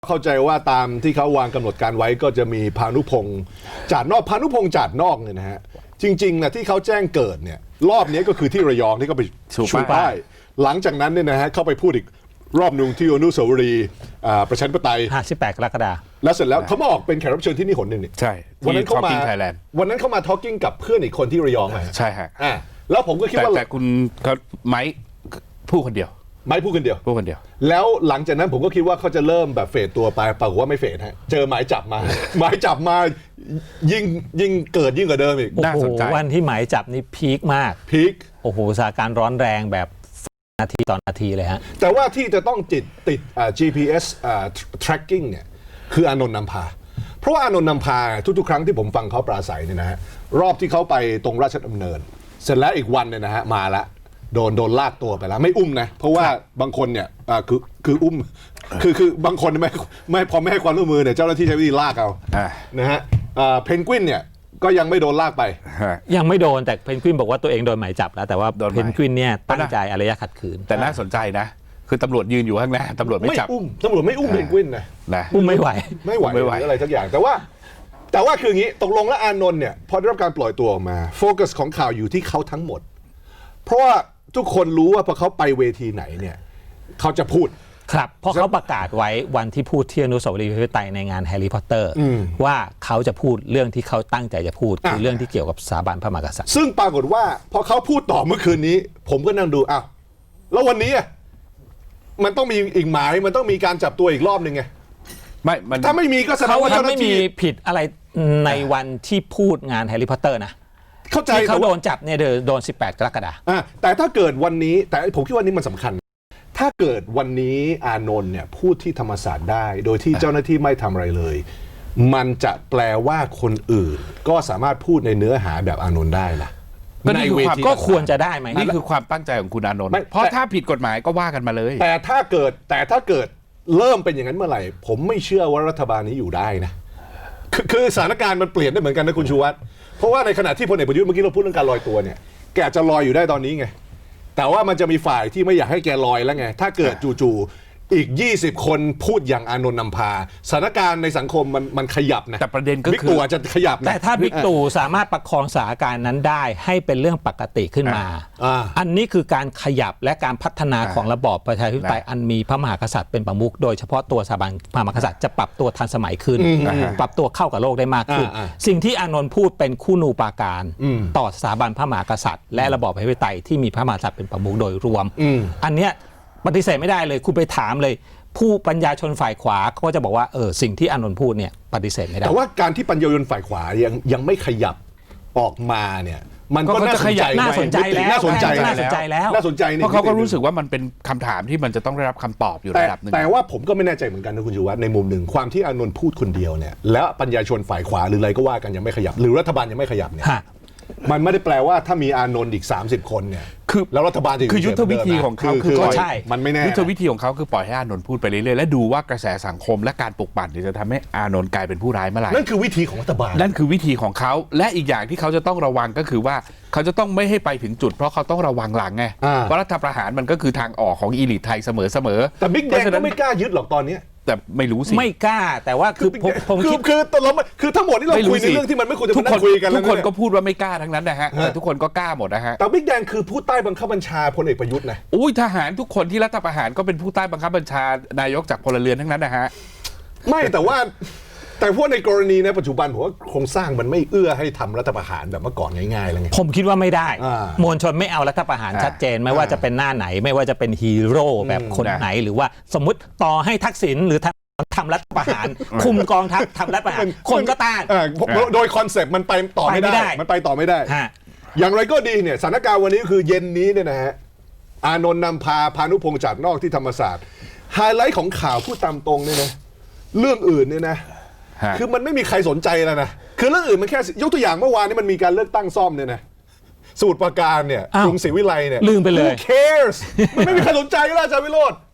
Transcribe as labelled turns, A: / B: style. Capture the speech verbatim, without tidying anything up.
A: เข้าใจว่าตามที่เขาวางกำหนดการไว้ก็จะมีพานุพงษ์จาดนอกพานุพงษ์จาดนอกเนี่ยนะฮะจริงๆนะที่เขาแจ้งเกิดเนี่ยรอบนี้ก็คือที่ระยองที่เขาไปชูป้ายหลังจากนั้นเนี่ยนะฮะเข้าไปพูดอีกรอบนึงที่อนุสาวรีย์ประชาธิปไตย
B: สิบแปดกรกฎาคม
A: แล้วเสร็จแล้วเขามาออกเป็นแขกรับเชิญที่นี่หนหนึ่งนี่
C: ใช่
A: วันนั้นเขามาวันนั้นเขามาทอล์กกิ้งกับเพื่อนอีกคนที่ระยองไง
C: ใช่ฮะ
A: อ่าแล้วผมก็คิดว่า
C: แต่คุณเขาไม้พูดคนเดียว
A: ไม่พูดคนเดียว
C: พูดคนเดียว
A: แล้วหลังจากนั้นผมก็คิดว่าเขาจะเริ่มแบบเฟดตัวไปปรากฏว่าไม่เฟดฮะเจอหมายจับมา หมายจับมายิ่งยิ่งเกิดยิ่งกว่าเดิมอีก
B: น่าสนใจวันที่หมายจับนี่พีคมาก
A: พีค
B: โอ้โหสถานการณ์ร้อนแรงแบบนาทีต่อนาทีเลยฮะ
A: แต่ว่าที่จะต้องติดติดอ่า จี พี เอส อ่า tracking เนี่ยคืออานนท์นำพาเพราะว่าอานนท์นำพาทุกๆครั้งที่ผมฟังเขาปราศัยเนี่ยนะฮะรอบที่เขาไปตรงราชดำเนินเสร็จแล้วอีกวันเนี่ยนะฮะมาละโดนโดนลากตัวไปแล้วไม่อุ้มนะเพราะว่าบางคนเนี่ยอ่าคือคืออุ้มคือคือบางคนไม่ไม่พอไม่ให้ความร่วมมือเนี่ยเจ้าหน้าที่ใช้วิธีลากเอานะฮะเพนกวินเนี่ยก็ยังไม่โดนลากไป
B: ยังไม่โดนแต่เพนกวินบอกว่าตัวเองโดนหมายจับแล้วแต่ว่าเพนกวินเนี่ยตั้งใจอารยะขัดขืน
C: แต่น่าสนใจนะคือตำรวจยืนอยู่ข้างหน้าตำรวจไม่จับ
A: อุ้มตำรวจไม่อุ้มเพนกวินนะ
B: อุ้มไม่ไหว
A: ไม่ไหวไม่ไหวอะไรทักอย่างแต่ว่าแต่ว่าคืออย่างนี้ตกลงแล้วอานนท์เนี่ยพอได้รับการปล่อยตัวออกมาโฟกัสของข่าวอยู่ที่เขาทั้งหมดเพราะว่าทุกคนรู้ว่าพอเขาไปเวทีไหนเนี่ยเขาจะพูด
B: ครับเพราะเขาประกาศไว้วันที่พูดที่อนุสาวรีย์ประชาธิปไตยในงานแฮร์รี่พอตเตอร์ว่าเขาจะพูดเรื่องที่เขาตั้งใจจะพูดคือเรื่องที่เกี่ยวกับสถาบันพระมหากษัตริย์
A: ซึ่งปรากฏว่าพอเขาพูดต่อเมื่อคืนนี้ผมก็นั่งดูอ้าวแล้ววันนี้มันต้องมีอีกหมายมันต้องมีการจับตัวอีกรอบหนึ่งไง
C: ไม่
A: ถ้าไม่มีก็แสดงว่า
B: เขาไม่มีผิดอะไรในวันที่พูดงานแฮร์รี่พอตเตอร์นะ
A: เข้าใจ
B: เขาโดนจับเนี่ยโดนสิบแปดกรกฎาคม
A: แต่ถ้าเกิดวันนี้แต่ผมคิดว่านี้มันสำคัญถ้าเกิดวันนี้อานนท์เนี่ยพูดที่ธรรมศาสตร์ได้โดยที่เจ้าหน้าที่ไม่ทำอะไรเลยมันจะแปลว่าคนอื่นก็สามารถพูดในเนื้อหาแบบอานนท์ได้ล่ะ
B: ในเวทีก็ควรจะได้ไหม
C: นี่คือความตั้งใจของคุณอานนท์เพราะถ้าผิดกฎหมายก็ว่ากันมาเลย
A: แต่ถ้าเกิดแต่ถ้าเกิดเริ่มเป็นอย่างนั้นเมื่อไหร่ผมไม่เชื่อว่ารัฐบาลนี้อยู่ได้นะคือสถานการณ์มันเปลี่ยนได้เหมือนกันนะคุณชูวัฒน์เพราะว่าในขณะที่พลเอกประยุทธ์เมื่อกี้เราพูดเรื่องการลอยตัวเนี่ยแกจะลอยอยู่ได้ตอนนี้ไงแต่ว่ามันจะมีฝ่ายที่ไม่อยากให้แกลอยแล้วไงถ้าเกิดจู่ๆอีกยี่สิบคนพูดอย่างอานนท์นำพาสถานการณ์ในสังคมมันมันขยับนะ
C: แต่ประเด็นก็คือ
A: บิ๊กตู่จะขยับ
B: แต่ถ้าบิ๊กตู่สามารถประคองสถานการณ์นั้นได้ให้เป็นเรื่องปกติขึ้นมาอันนี้คือการขยับและการพัฒนาของระบอบประชาธิปไตยอันมีพระมหากษัตริย์เป็นประมุขโดยเฉพาะตัวสถาบันพระมหากษัตริย์จะปรับตัวทันสมัยขึ้นปรับตัวเข้ากับโลกได้มากขึ้นสิ่งที่อานนท์พูดเป็นคู่นูปาการต่อสถาบันพระมหากษัตริย์และระบอบประชาธิปไตยที่มีพระมหากษัตริย์เป็นประมุขโดยรวมอันเนี้ยปฏิเสธไม่ได้เลยคุณไปถามเลยผู้ปัญญาชนฝ่ายขวาเขาก็จะบอกว่าเออสิ่งที่อานนท์พูดเนี่ยปฏิเสธไม่ได้
A: แต่ว่าการที่ปัญญาชนฝ่ายขวายังยังไม่ขยับออกมาเนี่ยมันก็น่าสนใจ
B: น่าสนใจแล้ว
A: น่าสนใจ
B: น่าสนใจแล้ว
A: น่าสนใจ
C: เพราะเขาก็รู้สึกว่ามันเป็นคำถามที่มันจะต้องได้รับคำตอบอยู่ระดับนึง
A: แต่ว่าผมก็ไม่แน่ใจเหมือนกันนะคุณชูวัฒน์ในมุมหนึ่งความที่อานนท์พูดคนเดียวเนี่ยแล้วปัญญาชนฝ่ายขวาหรืออะไรก็ว่ากันยังไม่ขยับหรือรัฐบาลยังไม่ขยับเนี่ยมันไม่ได้แปลว่าถ้ามีอานนท์อีกสามสิบคนเนี่ย
C: คือ
A: แล้วรัฐบาลจะ
C: คือยุทธวิธีของเขาคือ
B: ใช่
A: มันไม่แน่
C: ยุทธวิธีของเขาคือปล่อยให้อานนท์พูดไปเรื่อยๆและดูว่ากระแสสังคมและการปลุกปั่นจะทำให้อานนท์กลายเป็นผู้ร้ายเมื่อไหร่
A: นั่นคือวิธีของรัฐบาล
C: นั่นคือวิธีของเขาและอีกอย่างที่เขาจะต้องระวังก็คือว่าเขาจะต้องไม่ให้ไปถึงจุดเพราะเขาต้องระวังหลังไงเพราะรัฐประหารมันก็คือทางออกของอีลิทไทยเสมอ
A: ๆแต่บิ๊กแดงก็ไม่กล้ายึดหรอกตอนนี้
C: แต่ไม่รู้สิ
B: ไม่กล้าแต่ว่าคือผมผมคิด
A: คือตอนเราคือทั้งหมดที่เราคุยในเรื่องที่มันไม่ควรจะมาคุยกัน
C: ทุกคนก็พูดว่าไม่กล้าทั้งนั้นนะฮะแต่ทุกคนก็กล้าหมดนะฮะ
A: แต่บิ๊กแดงคือผู้ใต้บังคับบัญชาพลเอกประยุทธ์นะ
C: อุ้ยทหารทุกคนที่รัฐประหารก็เป็นผู้ใต้บังคับบัญชานายกจากพลเรือนทั้งนั้นนะฮะ
A: ไม่แต่ว่าแต่พวกในกรณีในปัจจุบันผมว่าโครงสร้างมันไม่เอื้อให้ทำรัฐประหารแบบเมื่อก่อนง่ายๆแล้วไง
B: ผมคิดว่าไม่ได้มวลชนไม่เอารัฐประหารชัดเจนไม่ว่าจะเป็นหน้าไหนไม่ว่าจะเป็นฮีโร่แบบคนไหนหรือว่าสมมุติต่อให้ทักษิณหรือทำรัฐประหารคุมกองทัพทำรัฐประหารคนก็ต้าน
A: โดยคอนเซปต์มันไปต่อไม่ได้มันไปต่อไม่ได้อย่างไรก็ดีเนี่ยสถานการณ์วันนี้คือเย็นนี้เนี่ยนะฮะอานนท์นำพาพานุพงษ์จาดนอกที่ธรรมศาสตร์ไฮไลท์ของข่าวพูดตามตรงเนี่ยนะเรื่องอื่นเนี่ยนะคือมันไม่มีใครสนใจแล้วนะคือเรื่องอื่นมันแค่ยกตัวอย่างเมื่อวานนี้มันมีการเลือกตั้งซ่อมเนี่ยนะสมุทรปราการเนี่ยกรุงศรีวิไลเนี่ย
B: ลืมไปเลย
A: Who cares มันไม่มีใครสนใจแล้วอาจารย์วิโรจน์